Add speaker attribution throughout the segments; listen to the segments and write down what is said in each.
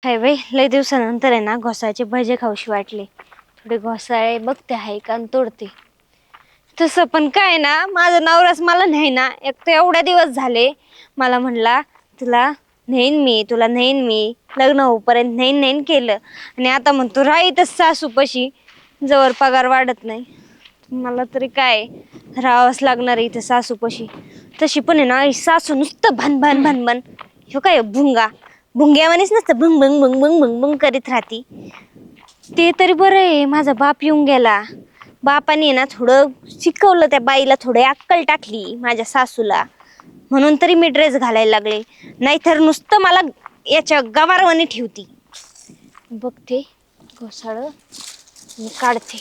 Speaker 1: हाय बाई, लय दिवसानंतर आहे ना घोसाळ्याचे भजे खाऊशी वाटले. थोडे घोसाळे बघते आहे का आणि तोडते. तसं पण काय ना, माझा नवराच मला नाही ना, एक तर एवढ्या दिवस झाले मला म्हणला तुला तुला नेईन मी लग्न होईपर्यंत नेईन केलं. आणि आता म्हणतो राहीतच सासूपाशी जवळ पगार वाढत नाही. मला तरी काय राहावंच लागणार आहे इथं सासूपाशी. तशी पण आहे ना ही सासू नुसतं भन भन ह्यो काय भुंगा भुंग्यावानीच नसतं भंग भंग भंग भंग भंग भंग करीत राहती. ते तरी बरं आहे माझा बाप येऊन गेला. बापाने ना थोडं शिकवलं, त्या बाईला थोडी अक्कल टाकली माझ्या सासूला, म्हणून तरी मी ड्रेस घालायला लागले. नाहीतर नुसतं मला याच्या गवारवानी ठेवती. बघते घोसाळ मी काढते.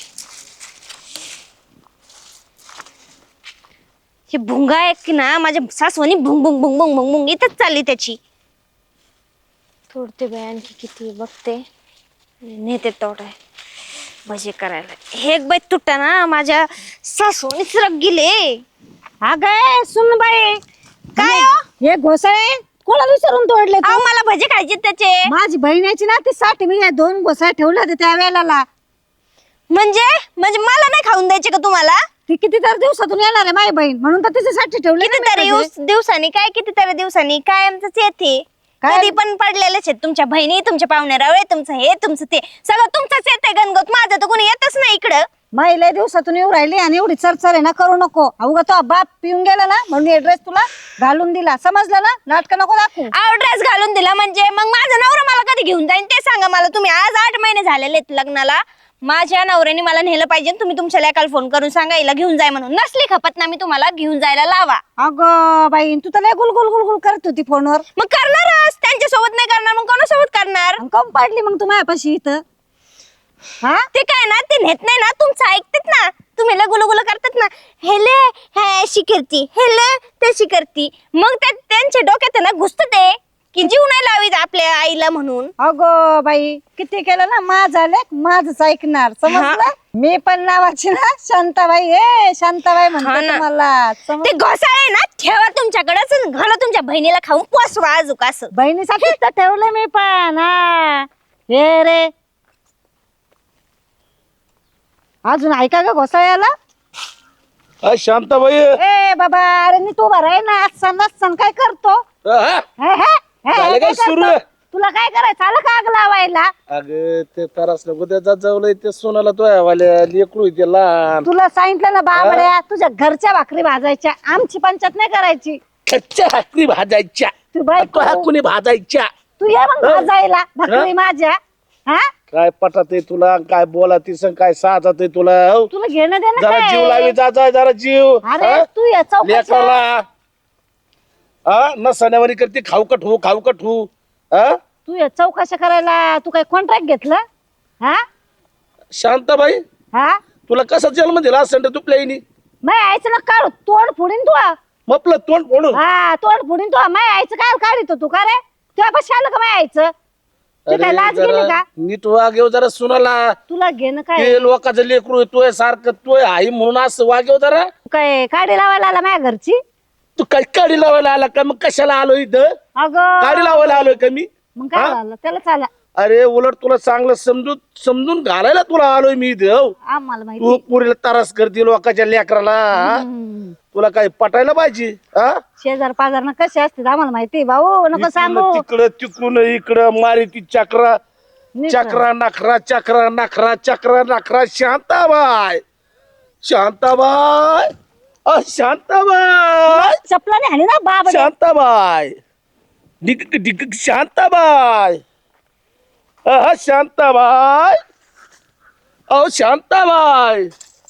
Speaker 1: हे भुंगा आहे की ना माझ्या सासवानी भुंग भुंग भुंग भुंग भुंग भुंग इथंच चालली त्याची. तोडते बाई आणखी किती बघते, नेते तोडाय भजे करायला. हे एक बाई तुटा ना माझ्या सासूनीच रग गेले.
Speaker 2: अगं सुन बाई,
Speaker 1: काय हो?
Speaker 2: हे घोसाळे कोणाला विचारून तोडले तू?
Speaker 1: अहो मला भजे खायचे त्याचे.
Speaker 2: माझी बहिणीची ना ती 60 मी 2 घोसाळे ठेवले होते त्या वेळेला.
Speaker 1: म्हणजे म्हणजे मला नाही खाऊन द्यायचे का तुम्हाला?
Speaker 2: ती कितीतरी दिवसातून येणार आहे माझी बहीण, म्हणून तर तिच्यासाठी ठेवले ना मी
Speaker 1: कितीतरी
Speaker 2: भजे.
Speaker 1: दिवसांनी काय, कितीतरी दिवसांनी काय आमचंच येते.
Speaker 2: काय?
Speaker 1: कधी पण पडलेलेच आहेत तुमच्या बहिणी, तुमच्या पाहुण्यारावळे, तुमचं हे तुमचं ते सगळं तुमचंच येते गणगोत. माझं तर कोणी येतच नाही इकडं.
Speaker 2: लय दिवसातून येऊ राहिली आणि एवढी चरचर आहे ना करू नको. अवघा तो बाप पिऊन गेला ना म्हणून हे ड्रेस तुला घालून दिला, समजलं ना? नाटक नको दाखवू.
Speaker 1: ड्रेस घालून दिला म्हणजे मग माझा नवरा मला कधी घेऊन जाईन ते सांगा मला तुम्ही. आज 8 महिने झालेले आहेत लग्नाला. माझ्या नवऱ्याने मला नेलं पाहिजे. तुम्ही तुमच्या लेकाला फोन करून सांगा हिला घेऊन जाय म्हणून. नसली खपत ना मी तुम्हाला घेऊन जायला लावा.
Speaker 2: अगं बाई, तू तर लय गुलगुल गुलगुल करत होती फोनवर.
Speaker 1: मग करणारच, त्यांच्या सोबत नाही करणार मग कोणासोबत करणार?
Speaker 2: कम पडली मग तू माझ्यापाशी इथं? हा
Speaker 1: ते काय ना, ते नेत नाही ना, तुमचं ऐकतात ना. तुम्ही गुलगुल करतात ना, हेले हे अशी करती, हेले तशी करती. मग त्यांच्या डोक्यात आहे ना घुसत ते की जीव नाही लावीत आपल्या आईला म्हणून.
Speaker 2: अगो बाई, किती केलं ना माझा लेक माझच ऐकणार, समजलं? मी पण नावाची ना शांताबाई आहे. शांताबाई म्हणते
Speaker 1: ना.
Speaker 2: मला.
Speaker 1: ते घोसाळे ना ठेवा तुमच्याकडेच, घाला तुमच्या बहिणीला खाऊन पोसवा अजूक असं.
Speaker 2: बहिणीसाठी तर ठेवलं मी पण. हा हे रे, अजून ऐका ग घोसाळ्याला.
Speaker 3: शांताबाई
Speaker 2: ए बाबा, अरे नीट उभा राह ना. सण काय करतो?
Speaker 3: हा?
Speaker 2: हे, हे, हे,
Speaker 3: झालं
Speaker 2: हे
Speaker 3: काय
Speaker 2: काय
Speaker 3: सुरू?
Speaker 2: करतो? तुला काय करायचं? आलं का आग लावायला?
Speaker 3: अगं ते तरास नको त्याचा जवळ ते सोनाला तो वाल्या लेकरू ते लहान
Speaker 2: तुला सांगितलं ना बाबड्या, तुझ्या घरच्या भाकरी भाजायच्या, आमची पंचायत नाही करायची.
Speaker 3: कच्च्या भाकरी भाजायच्या.
Speaker 2: तू बाई
Speaker 3: तो हाकुनी भाजायच्या.
Speaker 2: तू ये मग भाजायला भाकरी माझ्या. हा,
Speaker 3: काय पटत आहे तुला? काय बोला ती संग काय साधत आहे तुला? हो?
Speaker 2: तुला घेणं देणं
Speaker 3: जरा
Speaker 2: काय?
Speaker 3: जीव लावी जा जरा जीव.
Speaker 2: अरे
Speaker 3: हा?
Speaker 2: तू या चौकाच्या
Speaker 3: लेकराला हा न सणावारी करते खाऊ कठू हा?
Speaker 2: तू या चौकाशा करायला तू काय कॉन्ट्रॅक्ट घेतलं? हा
Speaker 3: शांताबाई
Speaker 2: हा,
Speaker 3: तुला कसा जन्म दिला असं तुपल्या आईनी?
Speaker 2: मै आईचं ना काढ, तोंड फोडीन तू.
Speaker 3: मपलं तोंड फोडून.
Speaker 2: हा, तोंड फोडीन तू. मै आईचं काय काढितो तू? का रे, तुझ्या पाशी आलं का मै आईचं? तू काय
Speaker 3: अरे
Speaker 2: लाज गेली
Speaker 3: जरा
Speaker 2: का?
Speaker 3: नीट वागेव जरा सुनाला.
Speaker 2: तुला घेणं काय?
Speaker 3: ते लोकांचं लेकरू येतोय सारखं तोय आई म्हणून असं वागेव जरा.
Speaker 2: तू काय काढी लावायला आला माझ्या घरची?
Speaker 3: तू काय काडी लावायला आला का? मग कशाला आलो इथं?
Speaker 2: अगं
Speaker 3: काडी लावायला आलोय का मी?
Speaker 2: मग काय
Speaker 3: हा?
Speaker 2: झालं? त्याला चाला
Speaker 3: अरे उलट तुला चांगलं समजून घालायला तुला आलोय मी इथं. हो.
Speaker 2: आम्हाला माहिती.
Speaker 3: तू पुरीला त्रास करते लोकांच्या लेकराला. हा? तुला काय पटायला पाहिजे? हा?
Speaker 2: शेजार पाजार कसे असते आम्हाला माहिती. भाऊ नको सांगू.
Speaker 3: तिकडं तिकडून इकडं मारी ती चक्रा
Speaker 2: नीट
Speaker 3: चक्रा नखरा चक्रा नखरा चक्रा नखरा. शांताबाई शांताबाई शांताबाई
Speaker 2: चपलाने हाणी ना बाबा.
Speaker 3: शांताबाई डिक डिक शांताबाई शांताबाई शांताबाई.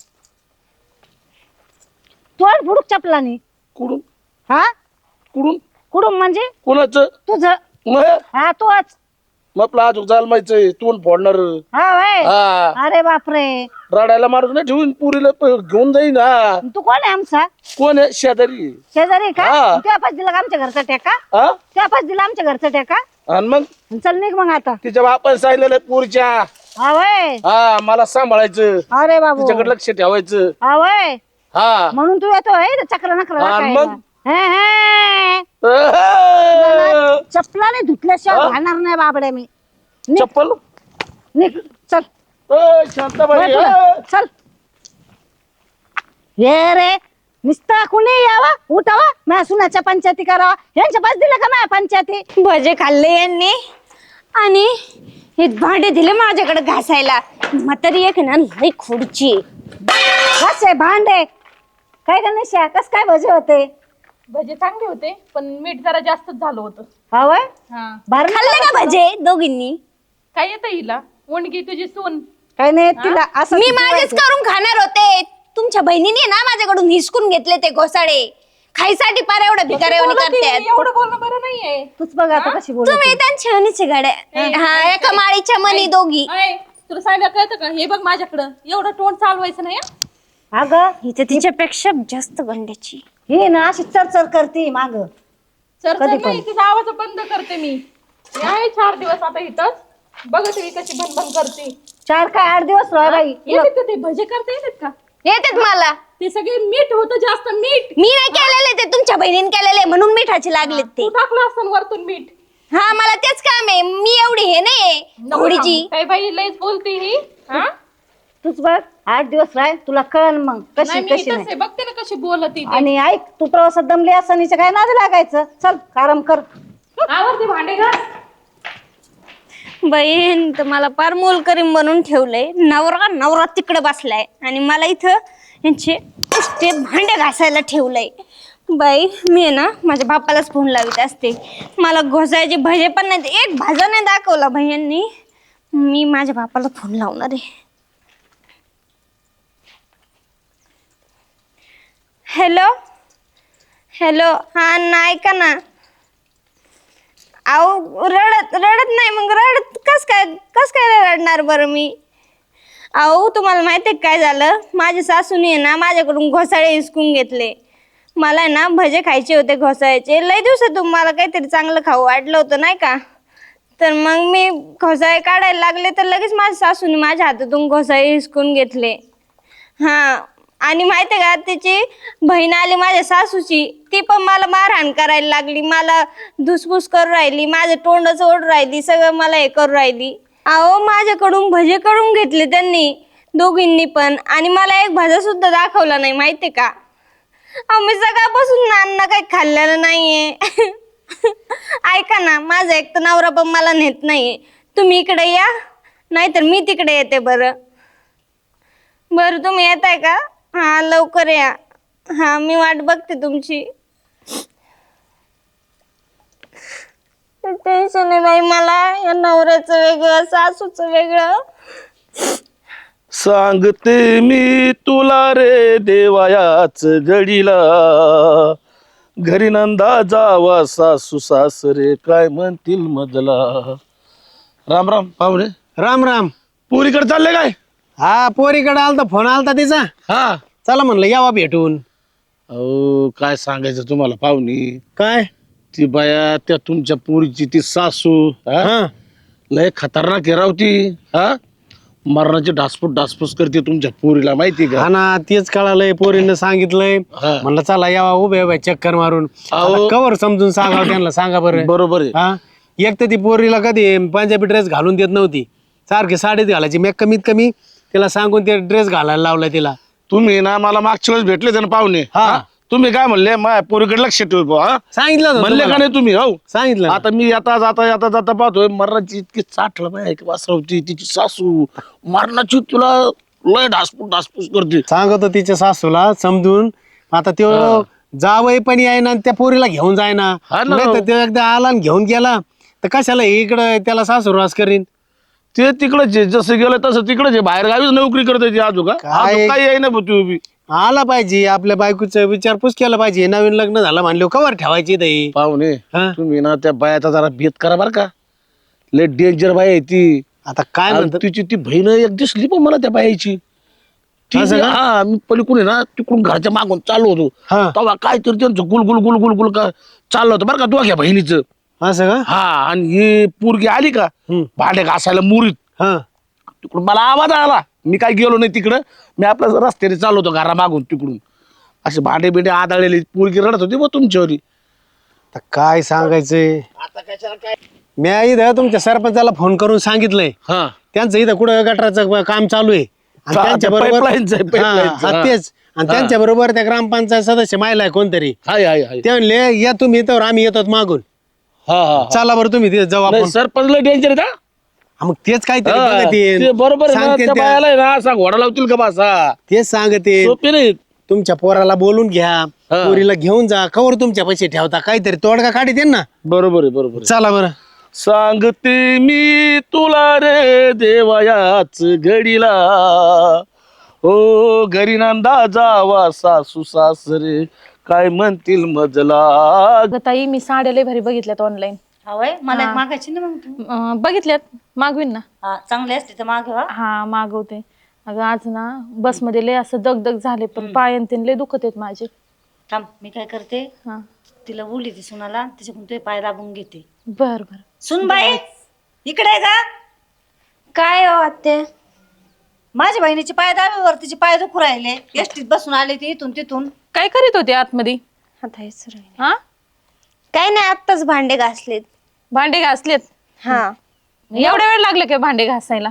Speaker 2: तोंड फुडूक चपलाने.
Speaker 3: कुडून
Speaker 2: हा,
Speaker 3: कुडून
Speaker 2: कुडून म्हणजे
Speaker 3: कुणाचं?
Speaker 2: तुझं.
Speaker 3: मग
Speaker 2: हा तोच.
Speaker 3: आपला आजूक जालमायचं तोंड फोडणार.
Speaker 2: हा वय.
Speaker 3: हा
Speaker 2: अरे बापरे,
Speaker 3: रडायला माणूस नाही ठेवून पुरीला घेऊन जाईन. हा
Speaker 2: तू कोण आहे आमचा?
Speaker 3: कोण आहे? शेजारी.
Speaker 2: शेजारी का?
Speaker 3: हा.
Speaker 2: तुझ्या पास दिला का आमच्या घरचा टेका?
Speaker 3: हा
Speaker 2: तुझ्या पास दिला आमच्या घरचा टेका?
Speaker 3: आणि मग
Speaker 2: चल निघ मग आता.
Speaker 3: तिच्या बापाने सांगितलेलं पुरीच्या
Speaker 2: हा वय.
Speaker 3: हा मला सांभाळायचं,
Speaker 2: अरे बाबू.
Speaker 3: तिच्याकडे लक्ष ठेवायचं.
Speaker 2: हा वय,
Speaker 3: हा
Speaker 2: म्हणून तू येतोय चक्र नखरा
Speaker 3: आणि
Speaker 2: राखायला.
Speaker 3: मग?
Speaker 2: हे, हे.
Speaker 3: अह!
Speaker 2: चपलाने धुतल्याशिवाय घालणार नाही बाबड्या मी.
Speaker 3: चप्पल
Speaker 2: निघ चल
Speaker 3: शांताबाई
Speaker 2: म्हटलं, चल ये रे नुसतं कुणी यावा उठावा माझ्या सुनाच्या पंचायती करावा यांच्या पास दिलं का माझ्या पंचायती
Speaker 1: भजे खाल्ले यांनी आणि हे भांडे दिले माझ्याकडे घासायला. म्हातारी एक ना लई खोडची.
Speaker 2: कसे भांडे काय का नशा कस काय भजे होते
Speaker 4: भजे चांगले होते पण मीठ जरा जास्तच झालं होतं.
Speaker 2: हवय
Speaker 4: हा
Speaker 2: भरलं
Speaker 1: खाल्ले का भजे दोघींनी?
Speaker 4: काय येतं हिला मुंडगी तुझी सून
Speaker 2: काय नाही तिला असं
Speaker 1: मी माझेच करून खाणार होते. तुमच्या बहिणीने ना माझ्याकडून हिसकून घेतले ते घोसाळे. खायसाठी पार एवढं भिकाऱ्यावानी करतात.
Speaker 4: एवढं बोलणं बरं नाहीये.
Speaker 2: तूच बघ आता कशी बोल
Speaker 1: तुम्ही त्यांच्या हनीचे गाड्या. हा एका माळीच्या मनी दोघी.
Speaker 4: अय, तुला सांगायला कळतं का हे बघ माझ्याकडं एवढं तोंड चालवायचं नाही हं?
Speaker 2: अगं
Speaker 1: हिच्या तिच्यापेक्षा जास्त गंड्याची.
Speaker 2: ही ना अशी चरचर करते माग
Speaker 4: चर
Speaker 2: कधी
Speaker 4: नाही तिचा आवाज बंद करते मी. मी आहे 4 दिवस आता इथंच बघत मी कशी भनभन करते.
Speaker 2: 4 काय 8 दिवस राह बाई
Speaker 4: येतात का ते भजे करता येतात का?
Speaker 1: येतात मला.
Speaker 4: ते सगळे मीठ होतं जास्त मीठ.
Speaker 1: मी नाही केलेले ते तुमच्या बहिणीने केलेले म्हणून मिठाचे लागलेत ते.
Speaker 4: तू टाकलं असतं वरतून मीठ.
Speaker 1: हा मला तेच काम आहे. मी एवढी हे नाही घोडीची.
Speaker 4: काय बाई लयच बोलते ही हा?
Speaker 2: तूच बघ 8 दिवस राह तुला कळन मग
Speaker 4: नाही
Speaker 2: कशी
Speaker 4: मी
Speaker 2: कशी
Speaker 4: इथंच
Speaker 2: नाही
Speaker 4: आहे बघते ना कशी बोलत ती.
Speaker 2: आणि ऐक तू प्रवासात दमली असतानीच्या काय नाद लागायचं चल आराम कर
Speaker 4: आवरते भांडे घास.
Speaker 1: बहीण तर मला पार मोलकरीम बनवून ठेवलंय. नवरा नवरा तिकडे बसलाय आणि मला इथं यांचे ते भांडे घासायला ठेवलंय. बाई मी आहे ना माझ्या बापालाच फोन लावित असते. मला घोसायचे भजे पण नाही एक भाजा नाही दाखवला भैयांनी. मी माझ्या बापाला फोन लावणार आहे. हॅलो हॅलो हा नाही का ना. अहो रडत नाही मग रडत कस काय रडणार बरं मी. अहो तुम्हाला माहिती आहे काय झालं. माझ्या सासूने ना माझ्याकडून घोसाळे हिसकून घेतले. मला ना भजे खायचे होते घोसाळ्याचे. लय दिवसातून मला काहीतरी चांगलं खाऊ वाटलं होतं नाही का. तर मग मी घोसाळे काढायला लागले तर लगेच माझ्या सासूने माझ्या हातातून घोसाळे हिसकून घेतले. हा आणि माहिती आहे का त्याची बहीण आली माझ्या सासूची. ती पण मला मारहाण करायला लागली. मला धुसफूस करून राहिली. माझं तोंडच ओढ राहिली. सगळं मला हे करून राहिली. अहो माझ्याकडून भजे करून घेतले त्यांनी दोघींनी पण आणि मला एक भाजा सुद्धा दाखवला नाही माहितीये का. अहो मी सकाळपासून नाना काही खाल्लेलं नाहीये. ऐका ना माझा एक तर नवरा पण मला नेत नाहीये. तुम्ही इकडे या नाहीतर मी तिकडे येते. बरं तुम्ही येताय का. हा लवकर या. हा मी वाट बघते तुमची. टेन्शन आहे बाई मला या नवऱ्याचं वेगळं सासूचं वेगळं.
Speaker 3: सांगते मी तुला रे देवायाच घडीला घरी नंदा जावा सासू सासरे काय म्हणतील मजला. राम राम पाहुणे.
Speaker 5: राम राम.
Speaker 3: पुरीकडे चालले काय.
Speaker 5: हा पोरीकडे आलता फोन आलता तिचा.
Speaker 3: हा
Speaker 5: चला म्हणलं यावा भेटून.
Speaker 3: अहो काय सांगायचं तुम्हाला पाहुणी.
Speaker 5: काय
Speaker 3: ती बाया त्या तुमच्या पुरीची ती सासू हा?
Speaker 5: हा
Speaker 3: लय खतरनाक आहे राव ती. हा मरणाची डासपूस करते तुमच्या पुरीला माहिती का.
Speaker 5: हा ना तेच कळालंय पोरीनं सांगितलंय.
Speaker 3: हा.
Speaker 5: म्हणलं चला यावा उभे उभे चक्कर मारून.
Speaker 3: अहो.
Speaker 5: आता कवर समजून सांगा त्यांना सांगा बरं.
Speaker 3: बरोबर आहे.
Speaker 5: हा एक तर ती पोरीला कधी पंजाबी ड्रेस घालून देत नव्हती. सारखी साडीच घालायची. मी कमीत कमी तिला सांगून ते ड्रेस घालायला लावला तिला.
Speaker 3: तुम्ही ना मला मागच्या वेळेस भेटले ना पाहुणे.
Speaker 5: हा.
Speaker 3: हा? तुम्ही काय म्हणले माझ्या पोरीकडे लक्ष ठेव बुवा, हा
Speaker 5: सांगितलं होतं
Speaker 3: म्हणले का
Speaker 5: तुम्हाला.
Speaker 3: नाही तुम्ही. हो
Speaker 5: सांगितलं ना.
Speaker 3: आता मी जाता पाहतोय मरणाची इतकी चाटलं बाय वासरवती तिची सासू मरणाची तुला लय डासपूस करते.
Speaker 5: सांगतो तिच्या सासूला समजून. आता तो जावई पण यायना आणि त्या पोरीला घेऊन जायना.
Speaker 3: हा ना.
Speaker 5: नाही तर तो एकदा आला आणि घेऊन गेला तर कशाला इकडं त्याला सासूरवास करीन.
Speaker 3: ते तिकडच जसं गेलं तसं तिकडच बाहेर गावीच नोकरी करते ती आजू का
Speaker 5: काय?
Speaker 3: काही आहे ना तू उभी.
Speaker 5: आला पाहिजे आपल्या बायकोचं विचारपूस केला पाहिजे. नवीन लग्न झालं म्हणले कवर ठेवायची दही.
Speaker 3: पाहुणे
Speaker 5: हा?
Speaker 3: तुम्ही ना त्या बायाचा जरा भेद करा बर का. लय डेंजर बाय आहे ती.
Speaker 5: आता काय
Speaker 3: आणि
Speaker 5: म्हणतात
Speaker 3: तिची ती बहीण एक दिसली पण मला त्या बायाची.
Speaker 5: असं का?
Speaker 3: हा मी पलीकडून आहे ना तिकडून घरच्या मागून चाललो होतो
Speaker 5: हा.
Speaker 3: तेव्हा काय तरी त्यांचं गुल का चाललं होतं बरं का दोघ्या बहिणीचं.
Speaker 5: असं का.
Speaker 3: हा आणि ही पोरगी आली का भांडे घासायला मुरीत
Speaker 5: हा
Speaker 3: तिकडून मला आवाज आला. मी काय गेलो नाही तिकडं. मी आपल्या रस्त्याने चाललो होतो घरा मागून तिकडून. असे भांडे बिंडे आदळलेले पोरगी रडत होती बघ तुमच्यावरी.
Speaker 5: आता काय सांगायचंय. मी इथं तुमच्या सरपंचाला फोन करून सांगितलंय
Speaker 3: हा
Speaker 5: त्यांचं इथं कुठं गटाराचं काम चालू आहे आणि
Speaker 3: हा,
Speaker 5: त्यांच्या
Speaker 3: ते
Speaker 5: बरोबर
Speaker 3: pipelines आहे, pipelines. हा.
Speaker 5: तेच आणि त्यांच्या बरोबर त्या ग्रामपंचायत सदस्य महिला आहे कोणतरी
Speaker 3: हाय हाय हाय
Speaker 5: ते म्हणले या तुम्ही तर आम्ही येतो मागून
Speaker 3: हा हा
Speaker 5: चला बरं तुम्ही तिथे जाऊ आपण
Speaker 3: सरपंचला डेंजर आहे का?
Speaker 5: हा, मग तेच काहीतरी
Speaker 3: हा,
Speaker 5: बघतील.
Speaker 3: ते बरोबर आहे ना,
Speaker 5: सांगतील
Speaker 3: त्या
Speaker 5: त्या.
Speaker 3: बायाला आहे ना असा घोडा लावतील का बसा
Speaker 5: तेच सांगते
Speaker 3: सोपे नाही
Speaker 5: तुमच्या पोराला बोलून घ्या पोरीला घेऊन जा कवर तुमच्या पैसे ठेवता काहीतरी तोडगा काढी दे ना
Speaker 3: बरोबर आहे बरोबर आहे.
Speaker 5: चला बरं
Speaker 3: सांगते मी तुला रे देवायाच घडीला ओ घरी नंदा जावा सासू सासरे काय म्हणतील मजला.
Speaker 4: अगं ताई मी साड्या लय भारी बघितल्यात ऑनलाईन.
Speaker 2: हवय मला एक मागायची ना मग तू
Speaker 4: बघितल्यात मागवीन ना.
Speaker 2: हा चांगले असते तर माग
Speaker 4: हा मागवते. अगं आज ना बसमध्ये लय असं दगदग झाले पण पायन ते लय दुखत आहेत माझे.
Speaker 2: थांब मी काय करते
Speaker 4: हा
Speaker 2: तिला बोलली ती सुनाला तिच्याकडून तुझे पाय दाबून घेते.
Speaker 4: बर बर.
Speaker 2: सुन बाई इकडे आहे का?
Speaker 1: काय हो आत्या?
Speaker 2: माझ्या बहिणीचे पाय दाबेवर तिचे पाय दुखू राहिले एसटीत बसून आले ती इथून तिथून.
Speaker 4: काय करीत होते आतमध्ये?
Speaker 1: आता हेच राहिलं.
Speaker 4: हा
Speaker 1: काय नाही आत्ताच भांडे घासलेत.
Speaker 4: भांडे घासलेत?
Speaker 1: हा
Speaker 4: एवढ्या वेळ लागले काय भांडे घासायला?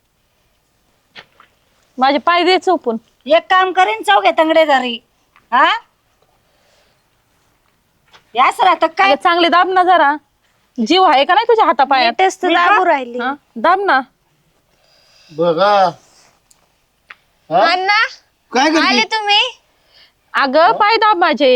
Speaker 4: माझे पाय दे चोपून.
Speaker 2: एक काम करीन चौघे तंगडेदारी हा याच राहत काय
Speaker 4: अगं चांगले दाब ना जरा. जीव आहे का नाही तुझ्या हातापायात?
Speaker 1: नीटच तर दाबू राहिली.
Speaker 4: हा? दाब ना.
Speaker 3: बघा
Speaker 1: अण्णा
Speaker 5: काय
Speaker 1: आले
Speaker 5: करते
Speaker 1: तुम्ही?
Speaker 4: अगं पाय दाब माझे.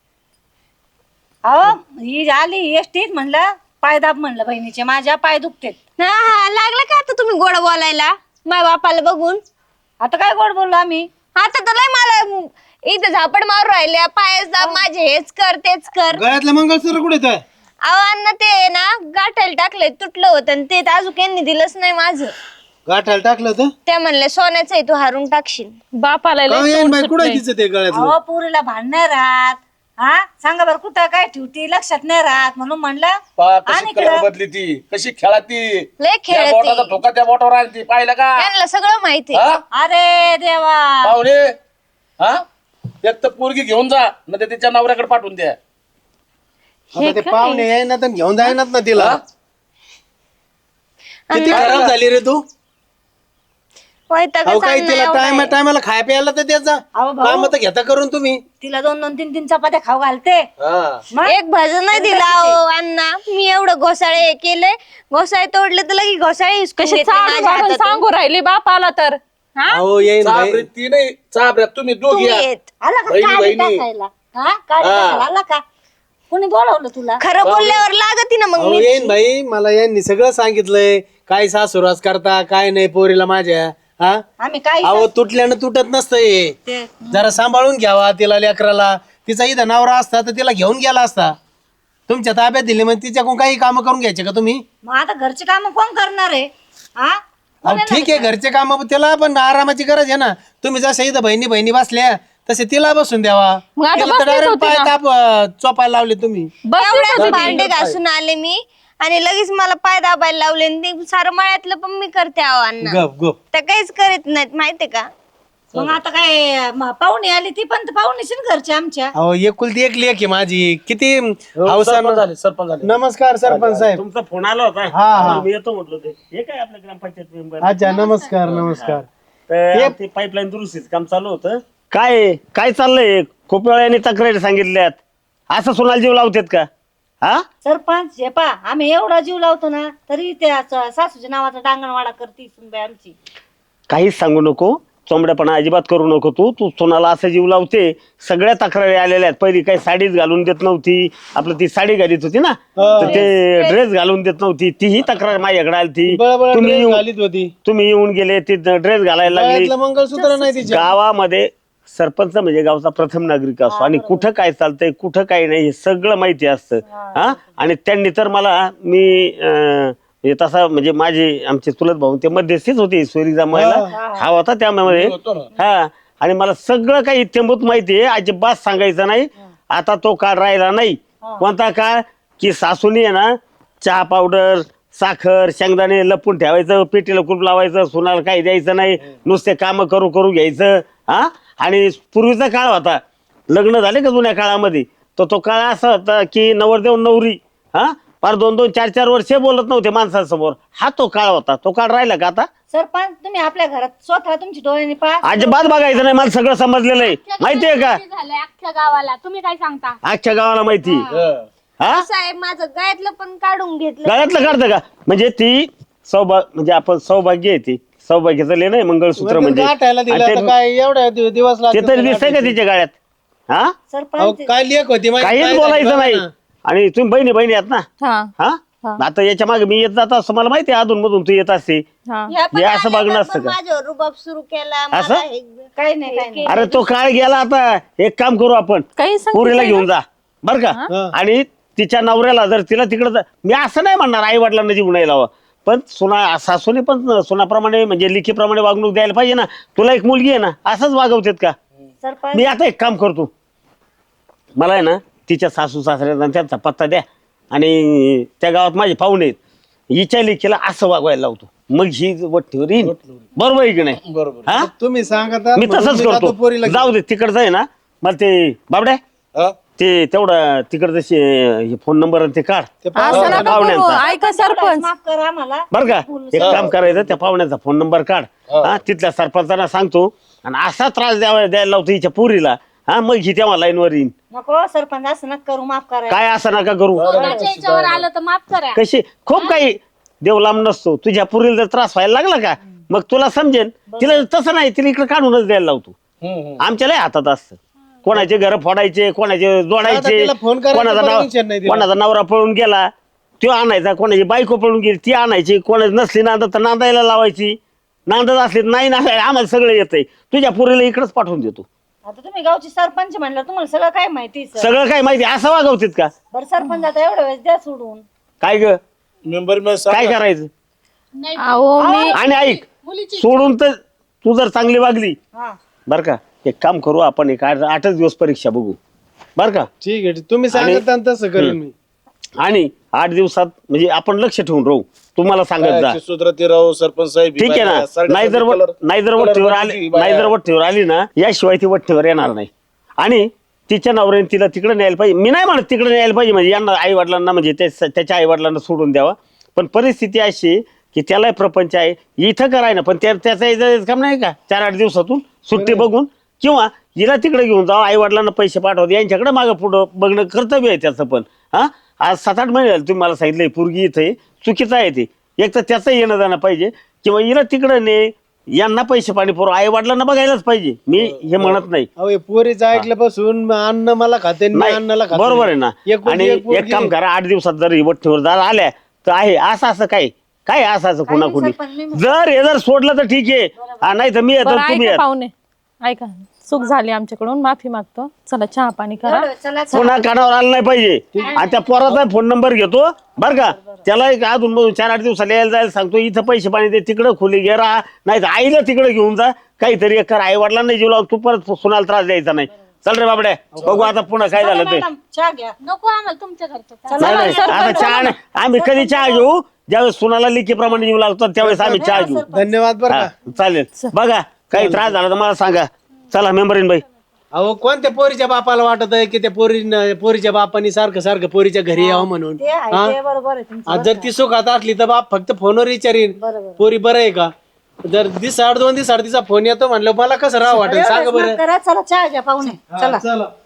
Speaker 2: अहो ही आली एसटीत म्हणलं पाय दाब म्हणलं बहिणीचे माझ्या पाय दुखतेत.
Speaker 1: हा हा लागलं का आता तुम्ही गोड बोलायला माझ्या बापाला बघून?
Speaker 2: आता काय गोड बोललो आम्ही?
Speaker 1: आता तर लय मला इथं झापड मारून राहिले पायच दाब माझे हेच कर तेच कर.
Speaker 5: गळ्यातलं मंगळसूत्र कुठे आहे?
Speaker 1: अहो अण्णा ते ना गाठायला टाकले तुटलं होतं आणि ते अजून यांनी दिलंच नाही माझं.
Speaker 5: गाठायला टाकलं होतं
Speaker 1: ते म्हणले सोन्याचं आहे तू हारून टाकशील.
Speaker 4: बापाला लय
Speaker 5: का येईन
Speaker 4: तोंड
Speaker 5: बाई कुठे
Speaker 4: सुटलंय.
Speaker 5: तिचं ते गळ्यातलं
Speaker 2: अहो पुरीला भांडणार राहत हा सांगा बरं कुठं काय ठेवती लक्षात नाही राहत म्हणून म्हणलं
Speaker 3: पहा
Speaker 2: आणि
Speaker 3: कशी कलर बदली ती कशी खेळा ती
Speaker 1: लय
Speaker 3: त्या
Speaker 1: खेळते
Speaker 3: बोटाचा ठोका त्या बोटावर आली ती पाहिलं का
Speaker 1: त्यांना सगळं माहिती
Speaker 3: हा?
Speaker 2: अरे देवा
Speaker 3: पाहुणे हा एक तर पोरगी घेऊन जा नाही तर तिच्या नवऱ्याकडे पाठवून द्या.
Speaker 5: आता ते पाहुणे येईना तर घेऊन जाईनात ना तिला. किती खराब झाली रे तू. अहो काय तिला टायमाला खाय प्यायला तर त्याचा
Speaker 2: अहो भाऊ.
Speaker 5: काम तर घेता करून तुम्ही.
Speaker 2: तिला 2-2, 3-3 चपात्या खाऊ घालते
Speaker 3: हा.
Speaker 2: मग?
Speaker 1: एक भजन नाही दिला अहो अण्णा. मी एवढं घोसाळे हे केले घोसाळे तोडले तर लगी घोसाळे हिसकून
Speaker 4: कशी
Speaker 1: घेतले
Speaker 4: चालू
Speaker 1: माझ्या
Speaker 4: वागून
Speaker 1: हातातून.
Speaker 4: सांगू राहिली बापाला तर. हा
Speaker 5: अहो येईन बाई.
Speaker 3: चाबरे ती नाही चाबऱ्या तुम्ही दोघी
Speaker 1: तुम्ही
Speaker 3: या.
Speaker 1: येत.
Speaker 2: आला का
Speaker 3: बहिणी,
Speaker 2: काळी
Speaker 3: बहिणी.
Speaker 2: टाकायला हा काळी टाकायला आला का कोणी बोलवलं तुला?
Speaker 1: खरं बोलल्यावर लागती ना मग
Speaker 5: अहो
Speaker 1: मी.
Speaker 5: येईन भाई मला यांनी सगळं सांगितलंय काय सासुरास करता काय नाही पोरीला माझ्या हा
Speaker 2: आम्ही काय
Speaker 5: अहो तुटल्यानं तुटत नसतंय
Speaker 2: ते
Speaker 5: जरा सांभाळून घ्यावा तिला लेकराला. तिचा इथं नवरा असता तर तिला घेऊन गेला असता. तुमच्या ताब्यात दिली म्हणजे तिच्याकडून काही काम करून घ्यायचे का तुम्ही?
Speaker 2: मग आता घरचे काम कोण करणार आहे हा
Speaker 5: अहो ठीक आहे घरचे काम त्याला पण आरामाची गरज आहे ना. तुम्ही जसं इथं बहिणी बहिणी बसल्या तसे तिला बसून द्यावा.
Speaker 4: मग आता
Speaker 5: तिला तर
Speaker 4: बसलीच
Speaker 5: direct
Speaker 4: होती
Speaker 5: पाय
Speaker 4: ना.
Speaker 5: ताप चोपायला लावले तुम्ही.
Speaker 4: बस
Speaker 1: एवढ्यात भांडे घासून आले मी आणि लगेच मला पाय दाबायला लावले आणि ते सारं मळ्यातलं पण मी करते अहो अण्णा.
Speaker 5: गप गप
Speaker 1: त्या काहीच करीत नाहीत माहितीये का?
Speaker 2: मग आता काय पाहुणे आली ती पण पाहुणीची ना घरची आमच्या.
Speaker 5: अहो एकुलती एक लेक आहे माझी किती
Speaker 3: सरपंच
Speaker 5: हौसानं.
Speaker 3: झाले सरपंच झाले.
Speaker 5: नमस्कार सरपंच साहेब.
Speaker 6: तुमचा फोन आला होता
Speaker 5: हा हा
Speaker 6: मी येतो म्हटलं ते हे काय आपल्या ग्रामपंचायत मेंबर
Speaker 5: अच्छा नमस्कार नमस्कार.
Speaker 6: ते पाईपलाईन दुरुस्तीचं काम चालू होतं. काय चाललंय खूप वेळाने तक्रारी सांगितल्यात असं सोनाला जीव लावतात का? हा
Speaker 2: सरपंच हे पा आम्ही एवढा जीव लावतो ना तरी त्या सासूच्या नावाचा डांगणवाडा करती सुनबाई आमची.
Speaker 6: काहीच सांगू नको चोंबड्यापणा अजिबात करू नको तू तू सोनाला असं जीव लावते. सगळ्या तक्रारी आलेल्या आहेत. पहिली काही साडीच घालून देत नव्हती आपलं ती साडी घालीत होती ना तर ते ड्रेस घालून देत नव्हती. तीही तक्रार माझ्याकडे आली ती
Speaker 5: बळबळ
Speaker 6: तुम्ही
Speaker 5: dress
Speaker 6: येऊन
Speaker 5: घालीत होती.
Speaker 6: तुम्ही येऊन गेले ती ड्रेस घालायला लागली.
Speaker 5: गळ्यातलं मंगळसूत्र नाही तिच्या.
Speaker 6: गावामध्ये सरपंच म्हणजे गावचा प्रथम नागरिक असतो आणि कुठं काय चालतंय कुठं काय नाही हे सगळं माहिती असतं. हा आणि त्यांनी तर मला मी हे तसा म्हणजे माझे आमचे चुलत भाऊ ते मध्यस्थीच होते सोयरी जमायला हा होता त्यामध्ये हा आणि मला सगळं काही इत्यंभूत माहिती आहे. अजिबात सांगायचं नाही. आता तो काळ राहिला नाही. कोणता काळ की सासूनी आहे ना चहा पावडर साखर शेंगदाणे लपून ठेवायचं पेटीला कुलूप लावायचं सुनाला काही द्यायचं नाही नुसते काम करू करू घ्यायचं. हा आणि पूर्वीचा काळ होता लग्न झाले का जुन्या काळामध्ये तर तो काळ असा होता की नवरदेव नवरी हा फार 2-2, 4-4 वर्षे बोलत नव्हते माणसांसमोर. हा तो काळ होता. तो काळ राहिला का आता?
Speaker 2: सरपंच तुम्ही आपल्या घरात स्वतः तुमची डोळ्याने पहा.
Speaker 6: अजिबात बघायचं नाही. मला सगळं समजलेलं आहे. माहितीये का?
Speaker 7: झालंय अख्ख्या गावाला, तुम्ही काय सांगता?
Speaker 6: अख्ख्या गावाला माहिती. हा
Speaker 1: साहेब माझं गळ्यातलं पण काढून घेतलं.
Speaker 6: गळ्यातलं काढतं का? म्हणजे ती म्हणजे आपण सौभाग्य आहे ती. सौभाग्याचं लेणं आहे मंगळसूत्र म्हणजे.
Speaker 5: गाठायला दिलं
Speaker 6: आणि
Speaker 5: आता
Speaker 6: ते-
Speaker 5: काय एवढ्या दिवस
Speaker 6: ते
Speaker 5: लागतात
Speaker 6: तरी दिसतंय का तिच्या गळ्यात? हा
Speaker 5: अहो,
Speaker 2: सरपंच
Speaker 5: काय लेख होती माहिती
Speaker 6: काहीच
Speaker 5: काय
Speaker 6: बोलायचं
Speaker 5: झालं
Speaker 6: नाही.
Speaker 5: ना?
Speaker 6: आणि तुम्ही बहिणी बहिणी आहात ना?
Speaker 4: हा
Speaker 6: हा आता याच्या मागे मी येत जात असतो. मला माहिती आहे अधून मधून तू येत असते.
Speaker 4: हा
Speaker 1: ह्या पण
Speaker 6: हे असं
Speaker 1: आल्या
Speaker 6: बघणं
Speaker 1: तर
Speaker 6: असतं
Speaker 1: पण
Speaker 6: का?
Speaker 1: माझ्यावर रुबाब सुरू केला.
Speaker 6: असं?
Speaker 1: मला हे-
Speaker 2: काही नाही.
Speaker 6: अरे तो काळ गेला आता. एक काम करू आपण,
Speaker 4: काही सांगते
Speaker 6: पुरीला
Speaker 4: काय
Speaker 6: घेऊन जा बर का. आणि तिच्या नवऱ्याला जर तिला तिकडं मी असं नाही म्हणणार आई वडिलांना जीव नाही लावा, पण सासूने पण सुनाप्रमाणे म्हणजे लिखीप्रमाणे वागणूक द्यायला पाहिजे ना. तुला एक मुलगी आहे ना, असंच वागवतेत का?
Speaker 2: सरपंच
Speaker 6: मी आता एक काम करतो, मला आहे ना तिच्या सासू सासऱ्यांना त्यांचा पत्ता द्या आणि त्या गावात माझे पाहुणे आहेत, हिच्या लेकीला असं वागवायला लावतो. मग ही वट्टीवर येईन. बरोबर आहे की नाही?
Speaker 5: बरोबर
Speaker 6: हा?
Speaker 5: तुम्ही सांगा आता,
Speaker 6: मी
Speaker 5: म्हणून
Speaker 6: तसंच
Speaker 5: जातो पोरीला
Speaker 6: करतो. जाऊ दे तिकडचं आहे ना. मला ते बाबड्या
Speaker 5: हा?
Speaker 6: ते तेवढं तिकडचं फोन नंबर ते काढ
Speaker 5: ते
Speaker 4: असं
Speaker 5: पाहुणे-
Speaker 4: नका करू.
Speaker 6: पाहुण्यांचा.
Speaker 4: ऐका सरपंच,
Speaker 2: माफ करा आम्हाला.
Speaker 6: बर का. एक काम करायचं, त्या पाहुण्याचा फोन नंबर काढ. हा तिथल्या सरपंचांना सांगतो आणि असा त्रास द्यायला लावतो हिच्या पुरीला. हा मग ही तेव्हा लाईनवर येईन.
Speaker 2: नको सरपंच असं नका करू, माफ करा.
Speaker 6: काय असं नका करू.
Speaker 7: स्वतःच्या याच्यावर आलं तर माफ करा.
Speaker 6: कशी खूप काही देव लांब नसतो. तुझ्या पुरीला जर त्रास व्हायला लागला का मग तुला समजेन. तिला तसं नाही, तिला इकडे काढूनच द्यायला लावतो. आमच्या लय हातात असतं. कोणाचे घर फोडायचे, कोणाचे
Speaker 5: आता
Speaker 6: जोडायचे,
Speaker 5: तिला फोन करायचं
Speaker 6: कोणाचा
Speaker 5: permission नाही दिलं.
Speaker 6: कोणाचा नवरा पळून गेला तो आणायचा, कोणाची बायको पळून गेली ती आणायची, कोणाची नसली नांदत तर नांदायला लावायची, नांदत असली नाही ना आम्हाला सगळं येतंय. तुझ्या पुरीला इकडेच पाठवून देतो.
Speaker 2: आता तुम्ही गावची सरपंच म्हणलं तुम्हाला सगळं काय माहिती सर.
Speaker 6: सगळं काय माहिती असं वागवतीत का?
Speaker 2: बरं सरपंच आता एवढ्या वेळेस द्या सोडून.
Speaker 6: काय ग
Speaker 3: मेंबर
Speaker 6: काय करायचं?
Speaker 4: अहो मी
Speaker 6: आणि ऐक, सोडून तर तू जर चांगली वागली
Speaker 2: हा
Speaker 6: बर का, एक काम करू आपण, एक 8च दिवस परीक्षा बघू बर का.
Speaker 5: ठीक आहे, तुम्ही सांगता तसं करेन मी.
Speaker 6: आणि 8 दिवसात म्हणजे आपण लक्ष ठेवून राहू. तुम्हाला सांगत जा,
Speaker 3: सुधरती राव सरपंच साहेब.
Speaker 6: ठीक आहे ना. नाही जर वट्टीवर आली ना, याशिवाय ती वट्टीवर येणार नाही. आणि तिच्या नवऱ्याने तिला तिकडे न्यायला पाहिजे. मी नाही म्हणत तिकडे न्यायला पाहिजे म्हणजे यांना आई वडिलांना म्हणजे त्याच्या आई वडिलांना सोडून द्यावा. पण परिस्थिती अशी आहे की त्यालाही प्रपंच आहे, इथं कराय ना. पण त्याचा काम नाही का 4-8 दिवसातून सुट्टी बघून किंवा हिला तिकडे घेऊन जावं, आई वडिलांना पैसे पाठवत, यांच्याकडे मागं पुढं बघणं कर्तव्य आहे त्याचं. पण हा आज 7-8 महिने झाले तुम्ही मला सांगितलंय पोरगी इथे चुकीचं आहे ते. एक तर त्याचं येणं जाणं पाहिजे किंवा हिला तिकडं ने, यांना पैसे पाणी पुरव, आई वडिलांना बघायलाच पाहिजे. मी हे म्हणत नाही.
Speaker 5: अहो हे पोरीचं ऐकल्यापासून अन्न मला खाते मी अन्नाला खाते.
Speaker 6: बरोबर आहे ना. आणि एक काम करा, 8 दिवसात जर ही वट्टीवर जर आल्या तर आहे असं काय काय असं कोणाकोणी जर सोडलं तर ठीक आहे, नाही तर मी येतो
Speaker 4: बरं
Speaker 6: तुम्ही
Speaker 4: ऐका
Speaker 6: येत.
Speaker 4: पाहुणे, ऐका, चूक झाली आमच्याकडून, माफी मागतो. चला चहा पाणी करा.
Speaker 2: चला
Speaker 6: पुन्हा कानावर आलं नाही पाहिजे. आणि त्या पोराचा फोन नंबर घेतो बर का. त्याला एक अजून 4-8 दिवसाला यायला जायला सांगतो. इथं पैसे पाणी दे, तिकडं खोली घे राहा, नाही तर आईला तिकडे घेऊन जा. काहीतरी एक कर, आई वडिलांना जीव लावून तू परत सुनाला त्रास द्यायचा नाही. चल रे बाबड्या, बघू आता पुन्हा काय झालं ते.
Speaker 2: मॅडम चहा घ्या.
Speaker 7: नको आम्हाला तुमच्या घरचं.
Speaker 6: नाही नाही, आता चहा नाही. आम्ही कधी चहा घेऊ ज्यावेळेस सुनाला लिखीप्रमाणे जीव लागतो त्यावेळेस आम्ही चहा घेऊ.
Speaker 5: धन्यवाद बरं
Speaker 6: हा,
Speaker 5: का.
Speaker 6: चालेल. बघा काही त्रास झाला तर मला सांगा. चला मेंबरीन बाई.
Speaker 5: अहो कोणत्या पोरीच्या बापाला वाटत आहे की त्या पोरीच्या बापानी सारखं पोरीच्या घरी यावं म्हणून.
Speaker 2: ते आहे
Speaker 5: हा?
Speaker 2: ते बरोबर आहे तुमचं.
Speaker 5: आज जर ती सुखात असली तर बाप फक्त फोनवर विचारीन पोरी बरं आहे का. जर 2 दिवसाआड तिचा फोन येतो म्हणलं मला कसं राहावं वाटेल सांगा बरं.
Speaker 2: करा चला चहा घ्या पाहुणे. चला
Speaker 5: चला